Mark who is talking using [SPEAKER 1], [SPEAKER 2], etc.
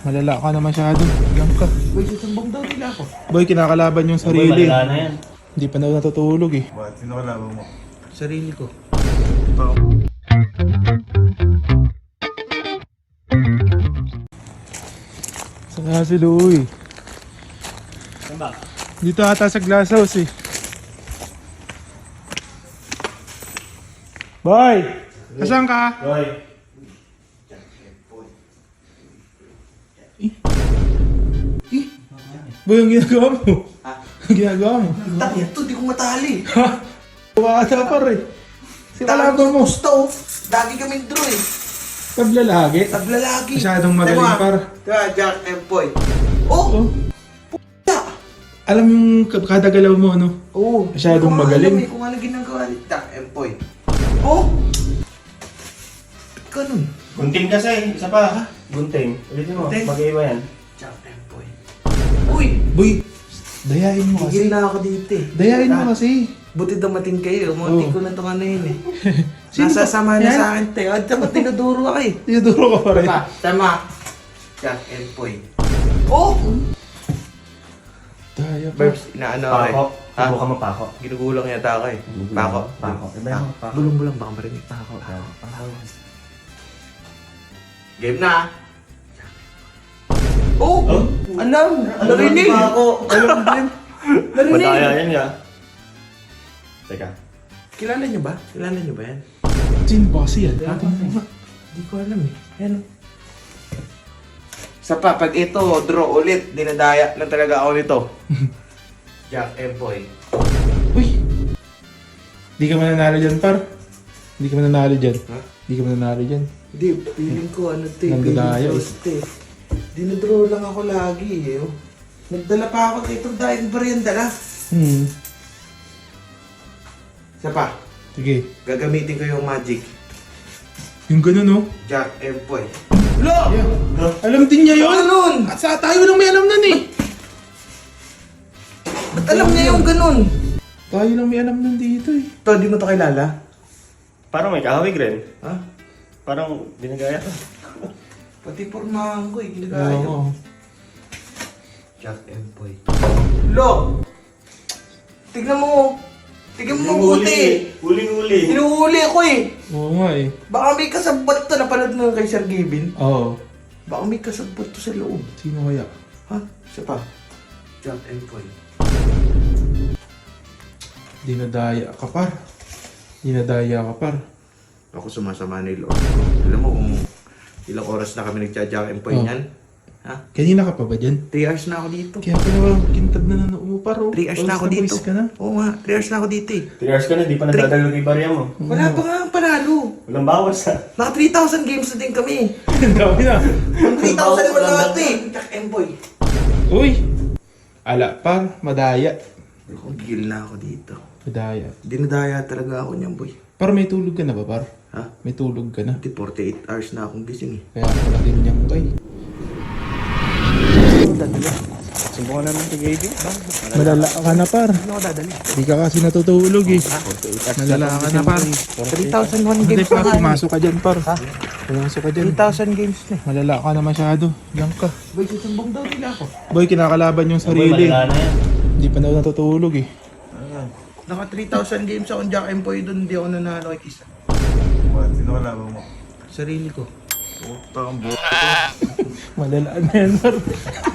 [SPEAKER 1] Malala ka na masyado. Diyan ka.
[SPEAKER 2] Boy, susumbong daw nila ako.
[SPEAKER 1] Boy, kinakalaban yung
[SPEAKER 3] Boy,
[SPEAKER 1] sarili.
[SPEAKER 3] malala na yan.
[SPEAKER 1] Hindi pa daw natutulog eh.
[SPEAKER 4] Bakit? Sino kalaban mo?
[SPEAKER 2] Sarili ko.
[SPEAKER 1] Saan nga si Louie?
[SPEAKER 3] Saan ba?
[SPEAKER 1] Dito ata sa glass house eh. Boy! Asan ka?
[SPEAKER 3] Boy.
[SPEAKER 1] Boy, ang ginagawa mo?
[SPEAKER 2] Ha?
[SPEAKER 1] Ang ginagawa mo?
[SPEAKER 2] Takit to, di ko matali.
[SPEAKER 1] Ha? Buwata pa rin. Si kalaban mo.
[SPEAKER 2] Gusto, oh. Lagi kaming draw eh.
[SPEAKER 1] Paglalagi.
[SPEAKER 2] Naglalagi.
[SPEAKER 1] Masyadong magaling, par.
[SPEAKER 2] Diba, Jack and Boy. Oh!
[SPEAKER 1] Oh. Alam yung kada galaw mo, ano?
[SPEAKER 2] Oo.
[SPEAKER 1] Masyadong
[SPEAKER 2] Hindi ko
[SPEAKER 1] magaling.
[SPEAKER 2] alam eh kung ano ginagawa ni Jack and Boy. Oh! Ganun.
[SPEAKER 3] Gunting kasi. Isa pa. Ha? Gunting. Ulitin mo.
[SPEAKER 2] Gunting?
[SPEAKER 3] Mag-iiba yan.
[SPEAKER 2] Jack and Boy. Uy!
[SPEAKER 1] Boy, dayain mo kasi.
[SPEAKER 2] Higil na ako dito eh.
[SPEAKER 1] Dayain mo kasi.
[SPEAKER 2] Buti dumating kayo. Munti
[SPEAKER 1] Oo.
[SPEAKER 2] ko na ito ano yun eh.
[SPEAKER 1] Sino ba?
[SPEAKER 2] Nasasama na
[SPEAKER 1] Yan?
[SPEAKER 2] sa akin tayo. At saka tinuduro ako eh.
[SPEAKER 1] Tinuduro ka pa rin.
[SPEAKER 2] Tama. Jack and Boy. Oh!
[SPEAKER 1] Daya pa.
[SPEAKER 2] Verbs, inaano ako eh.
[SPEAKER 3] Pako.
[SPEAKER 2] Ha?
[SPEAKER 3] Subukan mo pako.
[SPEAKER 2] Ginugulang yata ako eh. Pako.
[SPEAKER 3] Pako. Iba
[SPEAKER 2] Ah,
[SPEAKER 3] yung pako.
[SPEAKER 2] Bulong-bulong baka marinig pa ako.
[SPEAKER 3] Pako.
[SPEAKER 2] Game na. Oh!
[SPEAKER 3] Oh?
[SPEAKER 2] Alam! Narinig!
[SPEAKER 3] Pako.
[SPEAKER 1] Alam din.
[SPEAKER 2] Narinig!
[SPEAKER 3] Madaya yan nga. Teka.
[SPEAKER 2] Kilala niyo ba? Kilala niyo ba yan?
[SPEAKER 1] Sino ba kasi yan? Ha?
[SPEAKER 2] Hindi ko alam eh. Yan. Sa pa, pag ito, draw ulit, dinadaya na talaga ako nito. Jack and Boy.
[SPEAKER 1] Uy! Di ka mananalo dyan, par. Di ka mananalo dyan.
[SPEAKER 2] Ha?
[SPEAKER 1] Di ka mananalo dyan.
[SPEAKER 2] Hindi, feeling ko ano to eh.
[SPEAKER 1] Nandadaya
[SPEAKER 2] Feeling
[SPEAKER 1] eh.
[SPEAKER 2] first eh. Dinadraw lang ako lagi eh. Oh. Nagdala pa ako dito dahil merienda na. Isa pa,
[SPEAKER 1] Sige.
[SPEAKER 2] gagamitin ko yung magic.
[SPEAKER 1] Yung ganun, no?
[SPEAKER 2] Jack and Boy.
[SPEAKER 1] Alam din niya yun!
[SPEAKER 2] Ganun!
[SPEAKER 1] At sa tayo lang may alam nun eh!
[SPEAKER 2] Ba't alam niya yung ganun?
[SPEAKER 1] Tayo lang may alam nun dito eh.
[SPEAKER 2] To, di mo to kilala?
[SPEAKER 3] Parang may kahawig rin.
[SPEAKER 2] Ha?
[SPEAKER 3] Parang binagaya.
[SPEAKER 2] Pati pormahan ko eh, ginagaya.
[SPEAKER 1] Oo.
[SPEAKER 2] Jack and Boy. Lo! Tignan mo! Tignan mo mabuti!
[SPEAKER 3] Huling-huli.
[SPEAKER 2] Hinuhuli ko eh!
[SPEAKER 1] Oo nga eh.
[SPEAKER 2] Baka may kasabot to, napanood mo kay Sir Gavin.
[SPEAKER 1] Oo.
[SPEAKER 2] Baka may kasabot to sa loob.
[SPEAKER 1] Sino kaya?
[SPEAKER 2] Ha? Isa pa. Jack and Boy.
[SPEAKER 1] Dinadaya ka, par. Dinadaya ka, par.
[SPEAKER 2] Ako sumasama ni Lord. Alam mo kung ilang oras na kami nagja-Jack and Boy
[SPEAKER 1] Oh.
[SPEAKER 2] niyan? Ha?
[SPEAKER 1] Kanina ka pa ba dyan?
[SPEAKER 2] 3 hours na ako dito.
[SPEAKER 1] Kaya pala walang kintad na nanumupar, oh.
[SPEAKER 2] 3 hours na ako
[SPEAKER 1] Pawis
[SPEAKER 2] dito.
[SPEAKER 1] pawis ka na.
[SPEAKER 2] Oo nga, 3 hours na ako dito eh.
[SPEAKER 3] 3 hours ka na, di pa nagdadagal kay barya mo.
[SPEAKER 2] Wala pa nga ang panalo.
[SPEAKER 3] Walang bawas ha.
[SPEAKER 2] Naka 3,000 games na din kami.
[SPEAKER 1] Ang dami na.
[SPEAKER 2] 3,000 naman lahat eh. Jack and Boy.
[SPEAKER 1] Uy! Ala, par. Madaya.
[SPEAKER 2] Gigil na ako dito.
[SPEAKER 1] Madaya.
[SPEAKER 2] Dinadaya talaga ako niyan, boy.
[SPEAKER 1] Par, may tulog ka na ba, par?
[SPEAKER 2] Ha?
[SPEAKER 1] May tulog ka na.
[SPEAKER 2] Hindi, 48 hours na akong gising eh.
[SPEAKER 1] Kaya pala ganyan ka eh.
[SPEAKER 2] Ano dadali?
[SPEAKER 3] Subukan naman si Gaby.
[SPEAKER 1] Malala ka na, par.
[SPEAKER 2] Ano ako dadali?
[SPEAKER 1] Di ka kasi natutulog eh. Malala ka na, par.
[SPEAKER 2] 3,001
[SPEAKER 1] Hindi,
[SPEAKER 2] games
[SPEAKER 1] par.
[SPEAKER 2] na
[SPEAKER 1] Pumasok ka dyan, par.
[SPEAKER 2] Ha?
[SPEAKER 1] Pumasok ka dyan.
[SPEAKER 2] 3,000 games na eh.
[SPEAKER 1] Malala ka na masyado. Diyan ka.
[SPEAKER 2] Boy, susumbong daw nila ako.
[SPEAKER 1] Boy, kinakalaban yung
[SPEAKER 3] Boy,
[SPEAKER 1] sarili.
[SPEAKER 3] malala na yan.
[SPEAKER 1] Hindi pa daw natutulog eh.
[SPEAKER 2] Naka 3,000 games akong Jack and Boy doon, hindi ako nanalo kay Kisa.
[SPEAKER 4] Bakit? Sino kalaban mo?
[SPEAKER 2] Sarili ko.
[SPEAKER 4] Utang buo.
[SPEAKER 1] Malala na yan, par.